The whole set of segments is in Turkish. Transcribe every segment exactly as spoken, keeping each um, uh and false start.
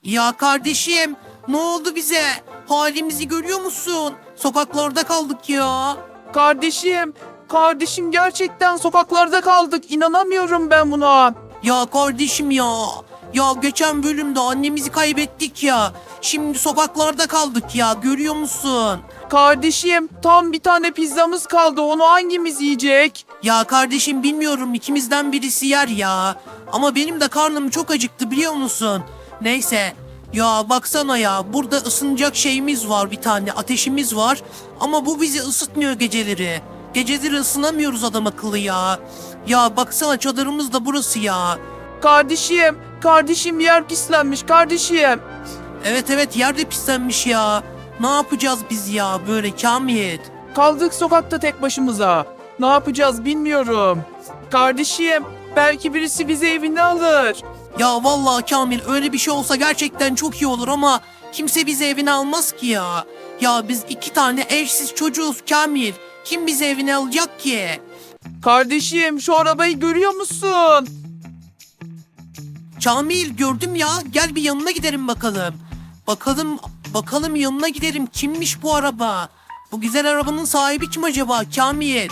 Ya kardeşim, ne oldu bize? Halimizi görüyor musun? Sokaklarda kaldık ya. Kardeşim, kardeşim gerçekten sokaklarda kaldık. İnanamıyorum ben buna. Ya kardeşim ya. Ya geçen bölümde annemizi kaybettik ya. Şimdi sokaklarda kaldık ya, görüyor musun? Kardeşim, tam bir tane pizzamız kaldı. Onu hangimiz yiyecek? Ya kardeşim bilmiyorum, ikimizden birisi yer ya. Ama benim de karnım çok acıktı, biliyor musun? Neyse. Ya baksana ya, burada ısınacak şeyimiz var, bir tane ateşimiz var. Ama bu bizi ısıtmıyor geceleri. Geceleri ısınamıyoruz adam akıllı ya. Ya baksana, çadırımız da burası ya. Kardeşim, kardeşim yer pislenmiş kardeşim. Evet evet, yerde pislenmiş ya. Ne yapacağız biz ya böyle Kamil? Kaldık sokakta tek başımıza. Ne yapacağız bilmiyorum. Kardeşim, belki birisi bizi evine alır. Ya vallahi Kamil, öyle bir şey olsa gerçekten çok iyi olur ama kimse bizi evine almaz ki ya. Ya biz iki tane eşsiz çocuğuz Kamil. Kim bizi evine alacak ki? Kardeşim, şu arabayı görüyor musun? Kamil, gördüm ya, gel bir yanına gidelim bakalım. Bakalım bakalım yanına gidelim, kimmiş bu araba? Bu güzel arabanın sahibi kim acaba Kamil?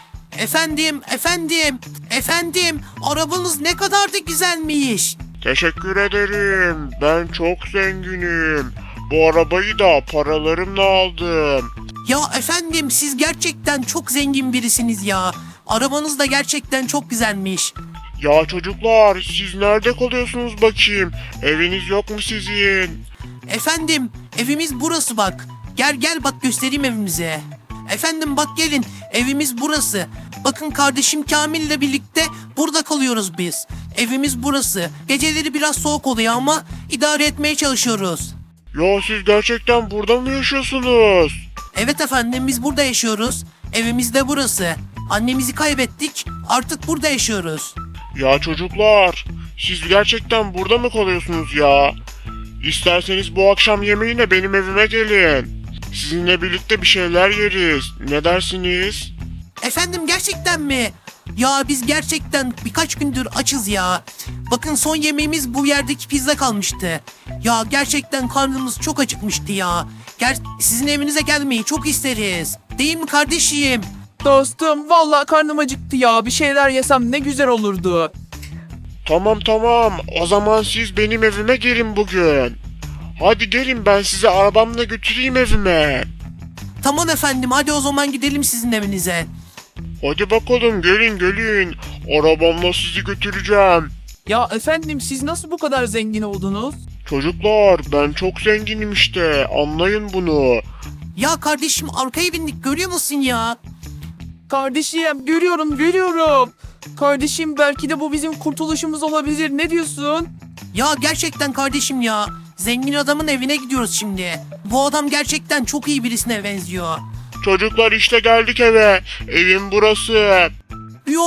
Efendim efendim efendim, arabanız ne kadar da güzelmiş. Teşekkür ederim. Ben çok zenginim. Bu arabayı da paralarımla aldım. Ya efendim, siz gerçekten çok zengin birisiniz ya. Arabanız da gerçekten çok güzelmiş. Ya çocuklar, siz nerede kalıyorsunuz bakayım? Eviniz yok mu sizin? Efendim, evimiz burası bak. Gel gel bak, göstereyim evimize. Efendim bak, gelin, evimiz burası. Bakın, kardeşim Kamil ile birlikte burada kalıyoruz biz. Evimiz burası. Geceleri biraz soğuk oluyor ama idare etmeye çalışıyoruz. Ya siz gerçekten burada mı yaşıyorsunuz? Evet efendim, biz burada yaşıyoruz. Evimiz de burası. Annemizi kaybettik, artık burada yaşıyoruz. Ya çocuklar, siz gerçekten burada mı kalıyorsunuz ya? İsterseniz bu akşam yemeğine benim evime gelin. Sizinle birlikte bir şeyler yeriz. Ne dersiniz? Efendim, gerçekten mi? Ya biz gerçekten birkaç gündür açız ya. Bakın, son yemeğimiz bu yerdeki pizza kalmıştı. Ya gerçekten karnımız çok acıkmıştı ya. Ger sizin evinize gelmeyi çok isteriz. Değil mi kardeşim? Dostum, vallahi karnım acıktı ya. Bir şeyler yesem ne güzel olurdu. Tamam tamam, o zaman siz benim evime gelin bugün. Hadi gelin, ben sizi arabamla götüreyim evime. Tamam efendim, hadi o zaman gidelim sizin evinize. Hadi bakalım, gelin gelin. Arabamla sizi götüreceğim. Ya efendim, siz nasıl bu kadar zengin oldunuz? Çocuklar, ben çok zenginim işte, anlayın bunu. Ya kardeşim, arkaya bindik, görüyor musun ya? Kardeşim, görüyorum görüyorum. Kardeşim, belki de bu bizim kurtuluşumuz olabilir. Ne diyorsun? Ya gerçekten kardeşim ya. Zengin adamın evine gidiyoruz şimdi. Bu adam gerçekten çok iyi birisine benziyor. Çocuklar, işte geldik eve. Evim burası. Yo,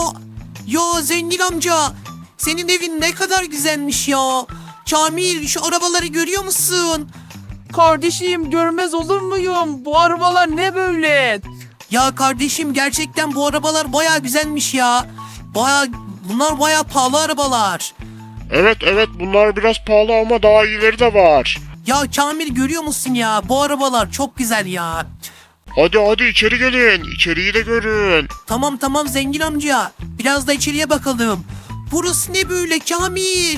yo zengin amca. Senin evin ne kadar güzelmiş ya. Kamil, şu arabaları görüyor musun? Kardeşim, görmez olur muyum? Bu arabalar ne böyle? Ya kardeşim, gerçekten bu arabalar baya güzelmiş ya. Baya, bunlar baya pahalı arabalar. Evet evet, bunlar biraz pahalı ama daha iyileri de var. Ya Kamil, görüyor musun ya? Bu arabalar çok güzel ya. Hadi hadi içeri gelin. İçeriği de görün. Tamam tamam zengin amca. Biraz da içeriye bakalım. Burası ne böyle Kamil?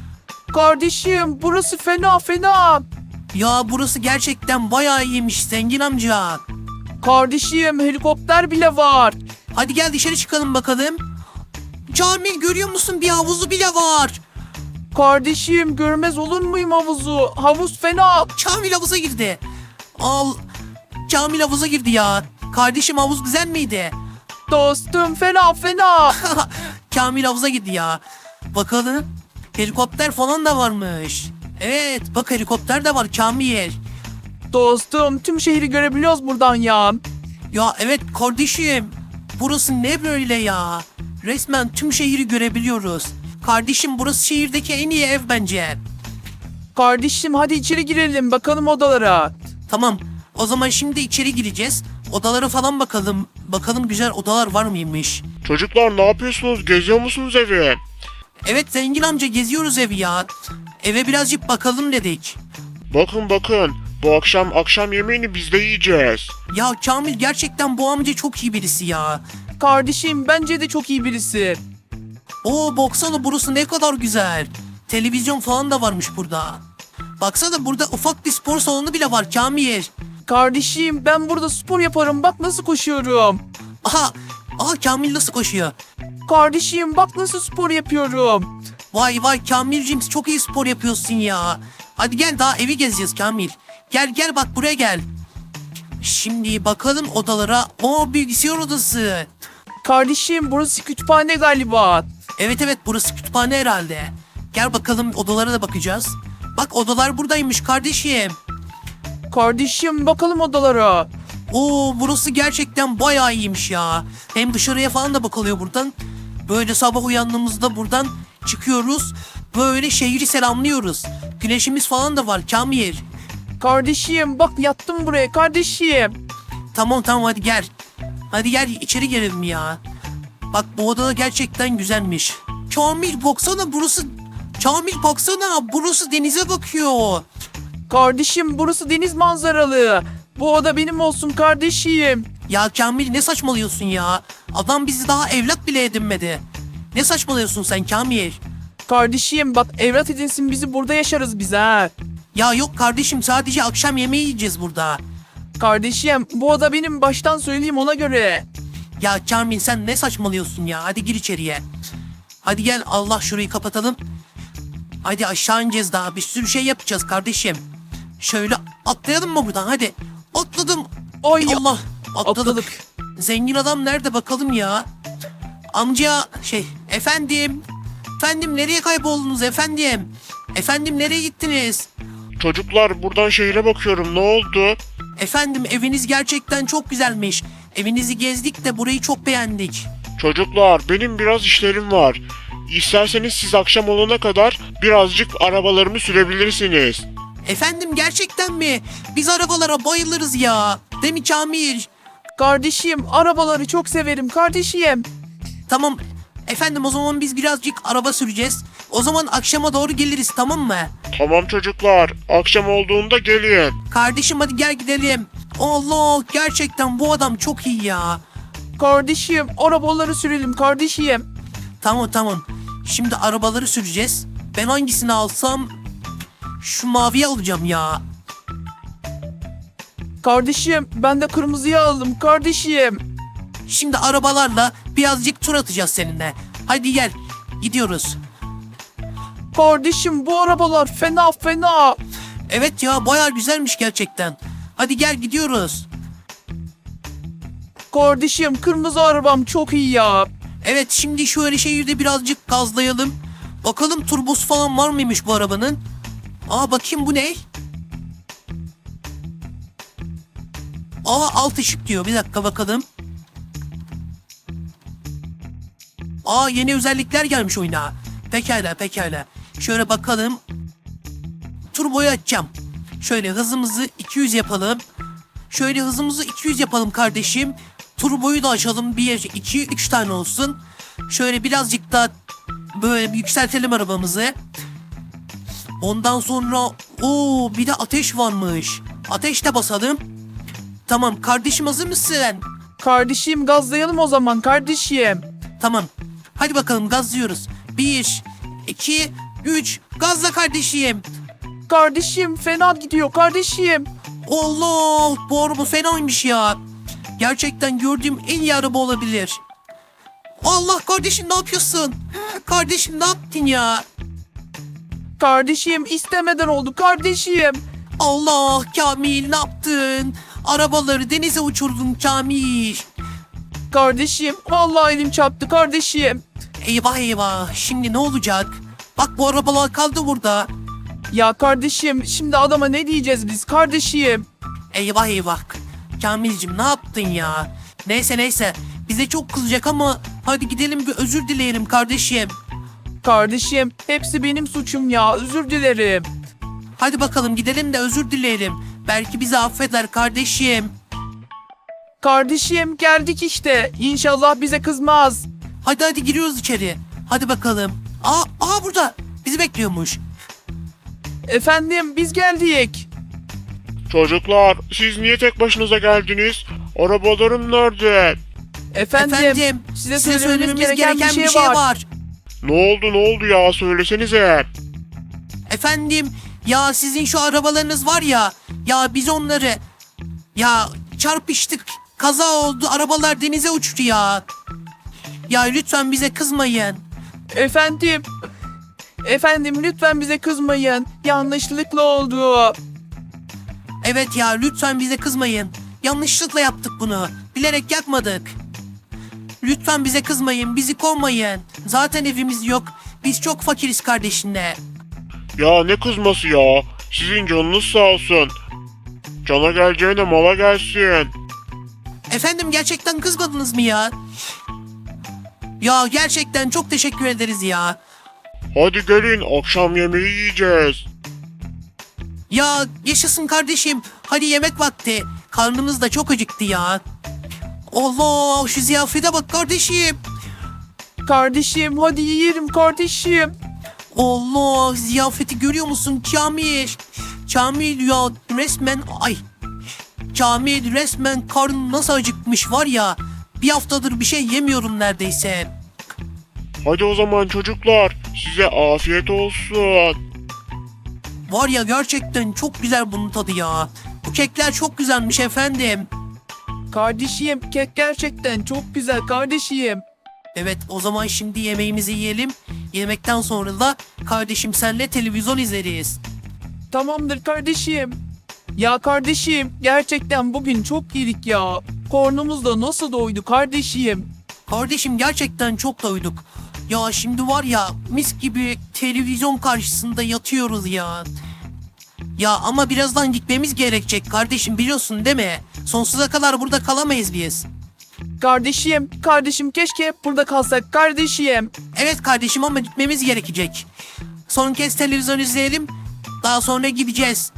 Kardeşim, burası fena fena. Ya burası gerçekten bayağı iyiymiş zengin amca. Kardeşim, helikopter bile var. Hadi gel dışarı çıkalım bakalım. Kamil, görüyor musun, bir havuzu bile var. Kardeşim, görmez olur muyum havuzu? Havuz fena. Kamil havuza girdi. Al. Kamil havuza girdi ya. Kardeşim, havuz güzel miydi? Dostum, fena fena. Kamil havuza girdi ya. Bakalım. Helikopter falan da varmış. Evet, bak, helikopter de var Kamil. Dostum, tüm şehri görebiliyoruz buradan ya. Ya evet kardeşim. Burası ne böyle ya? Resmen tüm şehri görebiliyoruz. Kardeşim, burası şehirdeki en iyi ev bence. Kardeşim, hadi içeri girelim bakalım odalara. Tamam. O zaman şimdi içeri gireceğiz. Odalara falan bakalım. Bakalım güzel odalar var mıymış? Çocuklar, ne yapıyorsunuz? Geziyor musunuz evi? Evet zengin amca, geziyoruz evi ya. Eve birazcık bakalım dedik. Bakın bakın, bu akşam akşam yemeğini biz de yiyeceğiz. Ya Kamil gerçekten bu amca çok iyi birisi ya. Kardeşim bence de çok iyi birisi. Oo baksana burası ne kadar güzel. Televizyon falan da varmış burada. Baksana burada ufak bir spor salonu bile var Kamil. Kardeşim ben burada spor yaparım, bak nasıl koşuyorum. Aha, aha Kamil nasıl koşuyor? Kardeşim bak nasıl spor yapıyorum. Vay vay Kamilciğim çok iyi spor yapıyorsun ya. Hadi gel daha evi gezeceğiz Kamil. Gel gel bak buraya gel. Şimdi bakalım odalara. O bilgisayar odası. Kardeşim burası kütüphane galiba. Evet evet burası kütüphane herhalde. Gel bakalım odalara da bakacağız. Bak odalar buradaymış kardeşim. Kardeşim bakalım odalara. Oo burası gerçekten bayağı iyiymiş ya. Hem dışarıya falan da bakılıyor buradan. Böyle sabah uyandığımızda buradan çıkıyoruz. Böyle şehri selamlıyoruz. Güneşimiz falan da var Kamil. Kardeşim bak yattım buraya kardeşim. Tamam tamam hadi gel. Hadi gel içeri girelim ya. Bak bu oda gerçekten güzelmiş. Kamil baksana burası. Kamil baksana burası denize bakıyor. Kardeşim burası deniz manzaralı. Bu oda benim olsun kardeşim. Ya Kamil ne saçmalıyorsun ya? Adam bizi daha evlat bile edinmedi. Ne saçmalıyorsun sen Kamil? Kardeşim bak evlat edinsin bizi, burada yaşarız biz ha. Ya yok kardeşim sadece akşam yemeği yiyeceğiz burada. Kardeşim bu oda benim, baştan söyleyeyim ona göre. Ya Kamil sen ne saçmalıyorsun ya? Hadi gir içeriye. Hadi gel Allah şurayı kapatalım. Hadi aşağı ineceğiz daha bir sürü şey yapacağız kardeşim. Şöyle atlayalım mı buradan hadi. Atladım. Oy Allah atladık. atladık. Zengin adam nerede bakalım ya? Amca şey efendim. Efendim nereye kayboldunuz efendim? Efendim nereye gittiniz? Çocuklar buradan şehre bakıyorum, ne oldu? Efendim eviniz gerçekten çok güzelmiş. Evinizi gezdik de burayı çok beğendik. Çocuklar benim biraz işlerim var. İsterseniz siz akşam olana kadar birazcık arabalarımı sürebilirsiniz. Efendim gerçekten mi? Biz arabalara bayılırız ya. Değil mi Kamil? Kardeşim arabaları çok severim kardeşim. Tamam. Efendim o zaman biz birazcık araba süreceğiz. O zaman akşama doğru geliriz tamam mı? Tamam çocuklar, akşam olduğunda gelin. Kardeşim hadi gel gidelim. Allah gerçekten bu adam çok iyi ya. Kardeşim arabaları sürelim kardeşim. Tamam tamam. Şimdi arabaları süreceğiz. Ben hangisini alsam? Şu maviyi alacağım ya. Kardeşim ben de kırmızıyı aldım kardeşim. Şimdi arabalarla birazcık tur atacağız seninle. Hadi gel. Gidiyoruz. Kardeşim bu arabalar fena fena. Evet ya bayağı güzelmiş gerçekten. Hadi gel gidiyoruz. Kardeşim kırmızı arabam çok iyi ya. Evet şimdi şöyle şehirde birazcık gazlayalım. Bakalım turbosu falan var mıymış bu arabanın? Aa bakayım bu ne? Aa alt ışık diyor. Bir dakika bakalım. Aa yeni özellikler gelmiş oyuna. Pekala pekala. Şöyle bakalım. Turboyu açacağım. Şöyle hızımızı iki yüz yapalım. Şöyle hızımızı iki yüz yapalım kardeşim. Turboyu da açalım. bir, iki, üç tane olsun. Şöyle birazcık daha böyle yükseltelim arabamızı. Ondan sonra o bir de ateş varmış. Ateş de basalım. Tamam kardeşim hazır mısın? Kardeşim gazlayalım o zaman kardeşim. Tamam. Hadi bakalım gazlıyoruz. Bir, iki, üç. Gazla kardeşim. Kardeşim fena gidiyor kardeşim. Allah bu araba fenaymış ya. Gerçekten gördüğüm en iyi araba olabilir. Allah kardeşim ne yapıyorsun? Kardeşim ne yaptın ya? Kardeşim istemeden oldu kardeşim. Allah Kamil ne yaptın? Arabaları denize uçurdun Kamil. Kardeşim vallahi elim çarptı kardeşim. Eyvah eyvah şimdi ne olacak? Bak bu arabalar kaldı burada. Ya kardeşim şimdi adama ne diyeceğiz biz kardeşim? Eyvah eyvah. Kamilcim ne yaptın ya? Neyse neyse. Bize çok kızacak ama hadi gidelim bir özür dileyelim kardeşim. Kardeşim hepsi benim suçum ya, özür dilerim. Hadi bakalım gidelim de özür dileyelim. Belki bizi affeder kardeşim. Kardeşim geldik işte, İnşallah bize kızmaz. Hadi hadi giriyoruz içeri. Hadi bakalım. Aa, aa burada. Bizi bekliyormuş. Efendim biz geldik. Çocuklar, siz niye tek başınıza geldiniz? Arabalarım nerede? Efendim, Efendim, size, size söylememiz gereken, bir şey, şey var. var. Ne oldu ne oldu ya, söylesenize. Efendim, ya sizin şu arabalarınız var ya, ya biz onları, ya çarpıştık, kaza oldu, arabalar denize uçtu ya. Ya lütfen bize kızmayın. Efendim, efendim lütfen bize kızmayın. Yanlışlıkla oldu. Evet ya, lütfen bize kızmayın. Yanlışlıkla yaptık bunu. Bilerek yapmadık. Lütfen bize kızmayın, bizi kovmayın. Zaten evimiz yok. Biz çok fakiriz kardeşinle. Ya ne kızması ya? Sizin canınız sağ olsun. Cana geleceğine mala gelsin. Efendim gerçekten kızmadınız mı ya? Ya gerçekten çok teşekkür ederiz ya. Hadi gelin, akşam yemeği yiyeceğiz. Ya yaşasın kardeşim. Hadi yemek vakti. Karnımız da çok acıktı ya. Allah, şu ziyafete bak kardeşim. Kardeşim hadi yiyelim kardeşim. Allah, ziyafeti görüyor musun Kamil? Kamil ya resmen ay. Kamil resmen karnım nasıl acıkmış var ya. Bir haftadır bir şey yemiyorum neredeyse. Hadi o zaman çocuklar, size afiyet olsun. Var ya gerçekten çok güzel bunun tadı ya. Bu kekler çok güzelmiş efendim. Kardeşim kek gerçekten çok güzel kardeşim. Evet, o zaman şimdi yemeğimizi yiyelim. Yemekten sonra da kardeşim senle televizyon izleriz. Tamamdır kardeşim. Ya kardeşim gerçekten bugün çok yedik ya. Karnımız da nasıl doydu kardeşim. Kardeşim gerçekten çok doyduk. Ya şimdi var ya mis gibi televizyon karşısında yatıyoruz ya. Ya ama birazdan gitmemiz gerekecek kardeşim, biliyorsun değil mi? Sonsuza kadar burada kalamayız biz. Kardeşim, kardeşim keşke hep burada kalsak kardeşim. Evet kardeşim ama gitmemiz gerekecek. Son kez televizyon izleyelim. Daha sonra gideceğiz.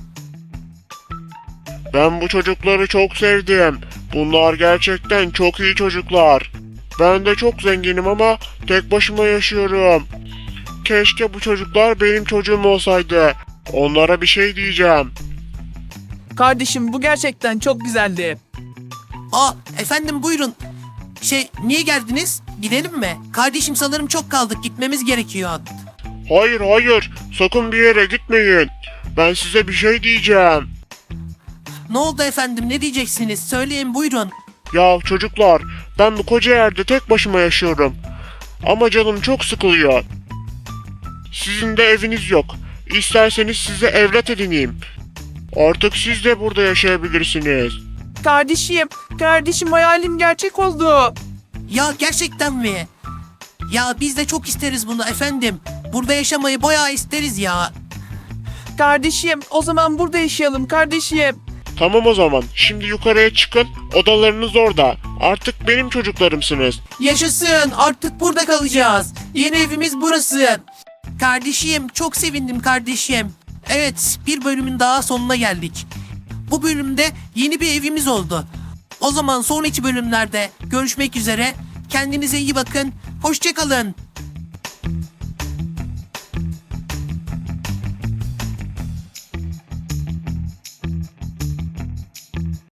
Ben bu çocukları çok sevdim. Bunlar gerçekten çok iyi çocuklar. Ben de çok zenginim ama tek başıma yaşıyorum. Keşke bu çocuklar benim çocuğum olsaydı. Onlara bir şey diyeceğim. Kardeşim bu gerçekten çok güzeldi. Aa efendim buyurun. Şey, niye geldiniz? Gidelim mi? Kardeşim sanırım çok kaldık, gitmemiz gerekiyor. Hayır hayır, sakın bir yere gitmeyin. Ben size bir şey diyeceğim. Ne oldu efendim, ne diyeceksiniz? Söyleyin buyurun. Ya çocuklar, ben bu koca yerde tek başıma yaşıyorum. Ama canım çok sıkılıyor. Sizin de eviniz yok. İsterseniz size evlat edineyim. Artık siz de burada yaşayabilirsiniz. Kardeşim, kardeşim hayalim gerçek oldu. Ya gerçekten mi? Ya biz de çok isteriz bunu efendim. Burada yaşamayı bayağı isteriz ya. Kardeşim o zaman burada yaşayalım kardeşim. Tamam o zaman, şimdi yukarıya çıkın, odalarınız orada. Artık benim çocuklarımsınız. Yaşasın, artık burada kalacağız. Yeni evimiz burası. Kardeşim çok sevindim kardeşim. Evet, bir bölümün daha sonuna geldik. Bu bölümde yeni bir evimiz oldu. O zaman sonraki bölümlerde görüşmek üzere. Kendinize iyi bakın. Hoşça kalın.